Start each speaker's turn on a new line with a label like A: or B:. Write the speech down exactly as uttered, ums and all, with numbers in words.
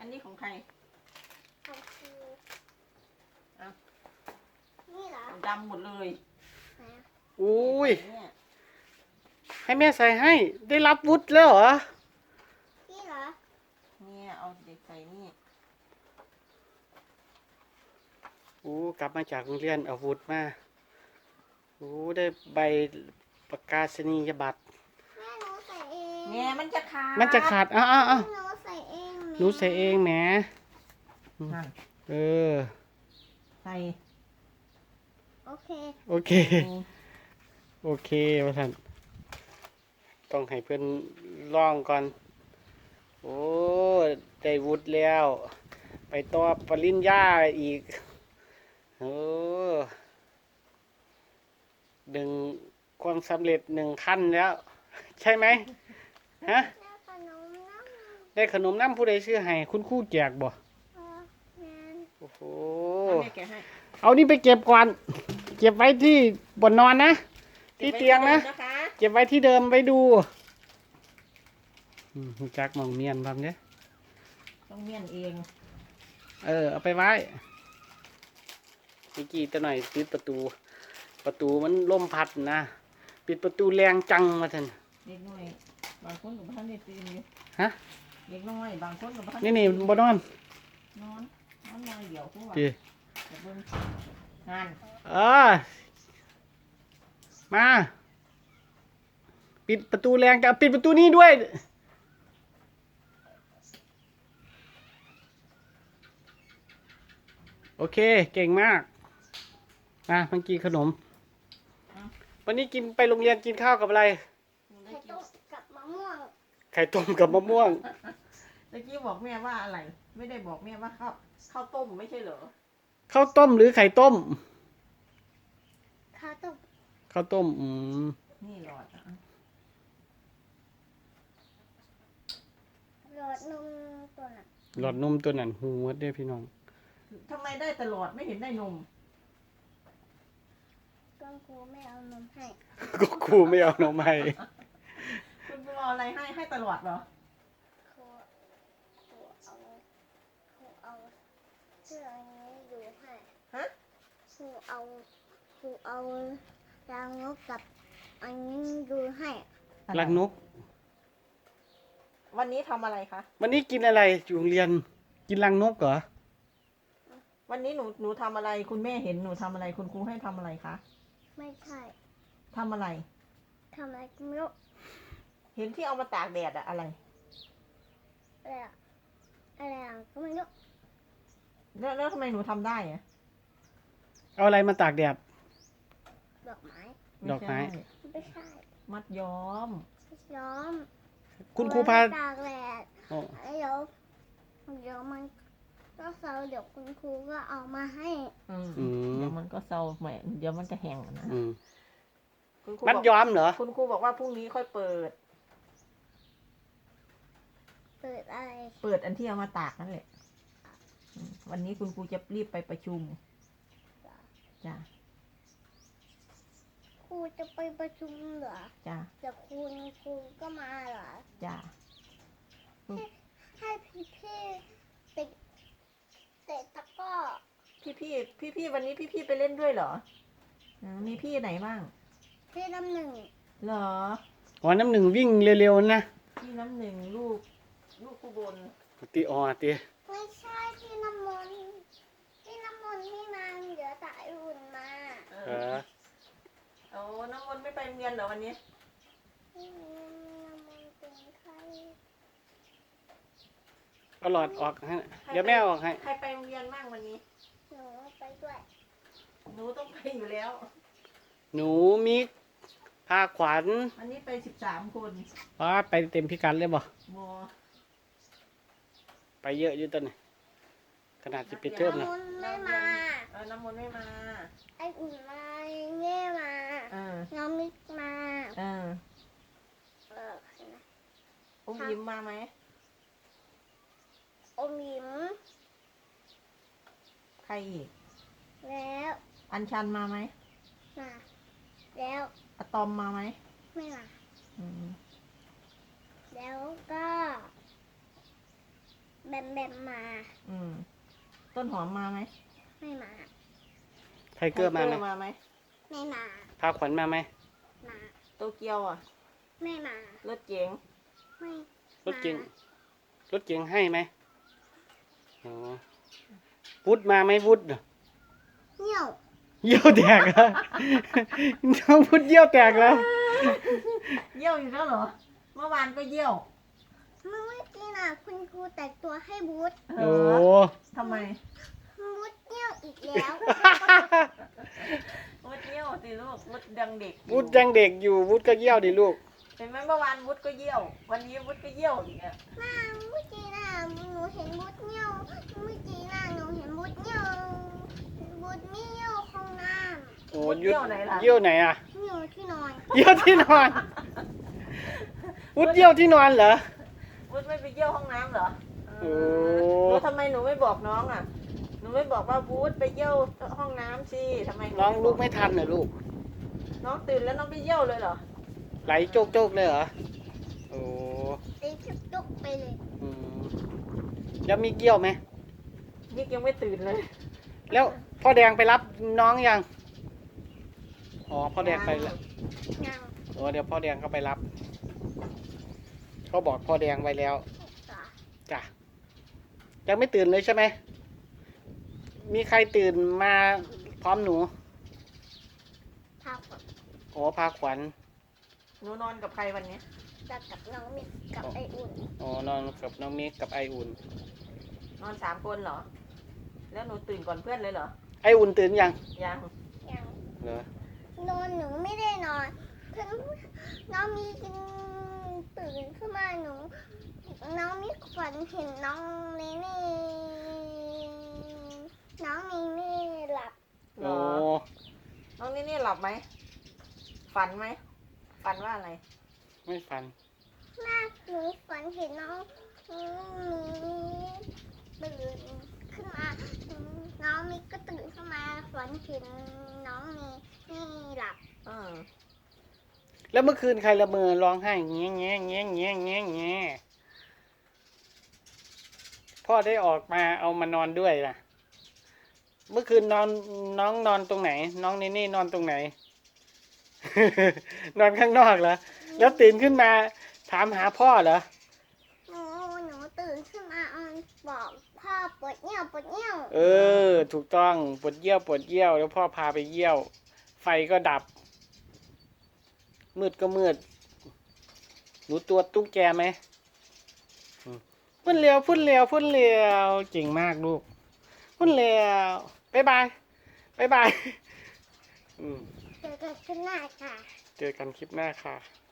A: นนี้ของใคร
B: ของครู
A: เอา
B: นี่เหรอ
A: ดำหมดเลย
C: อุ้ย
A: เนี่ย
C: ให้แม่ใส่ให้ ได้รับวุฒิแล้วเหรอ
B: นี่เหรอ
A: เนี่ยเอาเด็กใส่นี่
C: โอ้กลับมาจากโรงเรียนเอาวุฒิมาโอ้ได้ใบประกาศนียบัตร
B: แม่หนูใส่เอง
A: เนี่ยมันจะขาด
C: มันจะขาดอ้าวอ้าวอ้าว
B: หนูใส่เอง
C: หนูใส่เองแหม
A: นั่น
C: เออ
A: ใส่
B: โอเค
C: โอเค โอเคพ่อท่านต้องให้เพื่อนลองก่อน โอ้ได้วุฒิแล้ว ไปต่อปริญญาอีกโอ้ดึงความสำเร็จหนึ่งขั้นแล้ว ใช่ไหมฮะ
B: แล้วขนมน้ำ
C: ได้ขนมน้ำผู้ใดชื่อให้คุณครู่แจกบ่
B: เออแมน
C: โอ้โห
A: เอาแม่แกะให้
C: เอานี่ไปเก็บก่อน เก็บไว้ที่บนนอนนะ ที่เตียงนะ
A: ก็บไว้ที่เดิมนะคะ
C: เก็บไว้ที่เดิมไปดูอืมรู้จักหมองเมียนทำเนี่ย
A: ต้องเมียนเอง
C: เออเอาไปไว้พี่กี้ตัวหน่อยปิดประตู ประตูมันล่มพัดนะปิดประตูแรงจังมาท่าน
A: เด็กน้อยบางคนกับท่านได้ตื่นอยู่
C: ฮะ
A: เด็กน้อยบางคนกับท่าน
C: นี่นี่บนนอน
A: นอนนอนนอนเดี๋ยวพวกว่า
C: ดี
A: เดี๋ยวเบิ่งงาน
C: เออมา ปิดประตูแรงจะปิดประตูนี้ด้วย โอเค เก่งมากนะเมื่อกี้ขนม วันนี้กินไปโรงเรียนกินข้าวกับอะไร
A: ได้
B: ไข่
A: กิน
B: ต้มกับมะม่วง
C: ไข่ต้มกับมะม่วง
A: ตะกี้บอกแม่ว่าอะไร ไม่ได้บอกแม่ว่าข้าวข้าวต้มไม่ใช่เหรอ
C: ข้าวต้มหรือไข่ต้ม
B: ข้าวต้ม
C: ข้าวต้ม อืม
A: นี่หลอดอ่ะ
B: หลอดนมตัวน่ะ
C: หลอดนมตัวนั้นหูวัดเด้อพี่น้อง
A: ทำไมได้ตลอดไม่เห็นได้นม
B: ก็ครูไม่เอานมให้
C: ก็ครูไม่เอานมให้
A: คุณครูเอาอะไรให้ให้ตลอดเหรอ
B: ครูครูเอาครูเอาเสื้ออันนี้ดูให้
A: ฮะ
B: ครูเอาครูเอารางนกกับอันนี้ดูให้
C: รักนก
A: วันนี้ทำอะไรคะ
C: วันนี้กินอะไรอยู่โรงเรียน กินรังนกเหรอ
A: วันนี้หนูหนูทำอะไร คุณแม่เห็นหนูทำอะไร คุณครูให้ทำอะไรคะ
B: ไม่ใช่
A: ทำอะไร
B: ทำอะไรก็ไม่รู้
A: เห็นที่เอามาตากแดดอะอะไร
B: อะไรอะอะไรอะก็ไม่รู้
A: แล้วแล้วทำไมหนูทำได้อะ
C: เอาอะไรมาตากแดด
B: ดอกไม้
C: ดอกไม้
A: ใช่
B: ไม่ใช่
A: มัดย้อม
B: ย้อม
C: คุณครูพา
B: เอไว้ตากแดด
C: อ๋อ
B: เดี๋ยวเดี๋ยวมันก็เซาเดี๋ยวคุณครูก็เอามาให้
A: อืม
C: อืม
A: เดี๋ยวมันก็เศร้าแหมเดี๋ยวมันจะแห้งอะนะ
C: อืม
A: คุณครู
C: มัด
A: บอก
C: ย้อมเหรอ
A: คุณครูบอกว่าพรุ่งนี้ค่อยเปิด
B: เปิดอะไร
A: เปิดอันที่เอามาตากนั่นแหละอืมวันนี้คุณครูจะรีบไปประชุม จ้ะ
B: ครูจะไปประชุมเหรอ
A: จ้ะ
B: แต่คุณครูก็มาเหรอ
A: จ้ะ
B: ให้พี่พี่ๆไปเตะตะกร้อ
A: พี่พี่พี่พี่ๆวันนี้พี่พี่ๆไปเล่นด้วยเหรออืมมีพี่ไหนบ้าง
B: พี่น้ำหนึ่ง
A: เหรอ
C: อ๋อน้ำหนึ่งวิ่งเร็วๆนะ
A: พี่น้ำหนึ่งลูก ลูกผู้บน
C: ตีอ๋อตี
B: ไม่ใช่พี่น้ำมนต์พี่น้ำมนต์พี่นางเดี๋ยวสายอุ่นมา
A: เอ
C: เอ
A: อ
C: อ
A: เอาน้ำมนต์ไม่ไปโรงเรียนเหรอวันนี้
B: พี่น้ำมนต์เป็นใคร
C: เอาหลอดออกให้เดี๋ยวแม่เอาออกให้
A: ใครไปโรงเรียนบ้างวันนี้
B: หนูไปด้วย
A: หนูต้องไปอยู่แล้ว
C: หนูมิกพาขวัญ
A: วันนี้ไปสิบสามคน
C: ว่าไปเต็มพิกัดเลยบ่
A: โม
C: ไปเยอะอยู่ตอนนี้ขนาดจะปิดเทอม
B: น้ำ
C: นะ
B: มนต์ไม่มา
A: เออน้ำมนต์ไม่มา
B: ไออุ่นมาเง่มา
A: เออ
B: น้องมิกมา
A: เออ
B: เออใช่ไหม
A: อุ้มยิ้มมาไหม
B: อมยิ้ม
A: ใครอีก
B: แล้ว
A: อัญชันมาไหม
B: มาแล้ว
A: อะตอมมาไหม
B: ไม่มา
A: อืม
B: แล้วก็แบมแบมมา
A: อืม ต้นหอมมาไหม
B: ไม่มา
C: ไทเกอร์มาไหม
A: มาไหม
B: ไม่มา
C: พาขวัญมาไหม
B: มา
A: โตเกียวอ่ะ
B: ไม่มา
A: รถเก๋ง
B: ไม่
C: รถเก๋งรถเก๋งให้ไหมอ๋อวุฒมาไหมวุฒ
B: เหี่ยว
C: เยี่ยวแตกแล้ว น้องวุฒเยี่ยวแตกแล้ว
A: เยี่ยวอีกแล้วเหรอ เมื่อวานก็เยี่ยว
B: เมื่อกี้น่ะคุณครูแต่งตัวให้บูธ
A: เอ
C: โอ้
A: อทำไม
B: บูธเหี่ยวอีกแล้ว
A: วุฒเยี่ยวสิลูกวุฒดังเด็กอยู่
C: วุฒยังเด็กอยู่วุฒก็เยี่ยวดิลูก
A: เห็นไหมเมื่อวานวุฒก็เยี่ยว วันนี้วุฒก็เยี่ยวอีกอ่ะ
B: น่าเมื่อกี้น่ะหนูเห็นบูธเหี่ยวเมื่อกี้น่ะหนูเห็นบูธเหี่ยวบูธไม่เหี่ยวห้องน้
C: โอ้ยุดเยี่ยวไหนอ่ะ
B: ำเหี่ยวที่นอน
C: เยี่ยวที่นอนวุฒเยี่ยวที่นอนเหรอ
A: วุฒไม่ไปเยี่ยวห้องน้ำเหรอ
C: โอ้
A: แล้วทำไมหนูไม่บอกน้องอ่ะ หนูไม่บอกว่าวุฒไปเยี่ยวห้องน้ำสิทำไมห
C: น้องลูกไม่ทันเหรอลูก
A: น้องตื่นแล้วน้องไปเยี่ยวเลยเหรอ
C: ไหลโจกโจกๆเลยเหรอโอ้
B: ตีจุกจุกไปเลย
C: อืมแล้วมีเกี่ยวไหม
A: นี่ยังไม่ตื่นเลย
C: แล้วพ่อแดงไปรับน้องยังอ๋อพ่อแดงไปแล้ว
B: ยัง
C: โอ้เดี๋ยวพ่อแดงก็ไปรับเขาบอกพ่อแดงไว้แล้ว
B: ต่อ
C: จ้ะยังไม่ตื่นเลยใช่ไหมมีใครตื่นมาพร้อมหนู
B: พาผม
C: โอ้พาขวัญ
A: หนูนอนกับใครวันนี้
B: จะกับน้องมิกกับไออุ่น
C: อ๋อนอนกับน้องมิกกับไออุ่น
A: นอนสามคนเหรอ แล้วหนูตื่นก่อนเพื่อนเลยเหรอ
C: ไออุ่นตื่นยัง
A: ยัง
B: ยัง
C: เหรอน
B: อนหนูไม่ได้นอนเพื่อนน้องมีกินตื่นขึ้นมาหนู น้องมีฝันเห็นน้องเนเน่น้องเนเน่หลับ
A: เหร
C: โอ้
A: อ น้องนี่นี่หลับไหม ฝันไหม ฝันว่าอะไร
C: ไม่ฟัน
B: หน้าหนูฝันเห็นน้องมีตื่นขึ้นมา น้องมิกก็ตื่นขึ้นมาฝันเห็นน้องมีนี่หลับ
A: เออ
C: แล้วเมื่อคืนใครละเมอร้องไห้แง่แง่แง่แง่แง่แง่พ่อได้ออกมาเอามานอนด้วยล่ะ เมื่อคืนนอนน้องนอนตรงไหน น้องเนเน่นอนตรงไหน นอนข้างนอกเหรอ แล้วตื่นขึ้นมาถามหาพ่อเหรอ
B: หนูหนูตื่นขึ้นมาเอาบอกพ่อปวดเยี่ยวปวดเยี่ยว
C: เออ ถูกต้องปวดเยี่ยวปวดเยี่ยว แล้วพ่อพาไปเยี่ยว ไฟก็ดับ มืดก็มืด หนูตัวตุ๊กแกไหมอืมพุ่นเร็วพุ่นเร็วพุ่นเร็วเก่งมากลูกพุ่นเร็วบ๊ายบายบ๊ายบายอืม
B: เจอกันขึ้นหน้าค่ะ
C: เจอกันคลิปหน้าค่ะ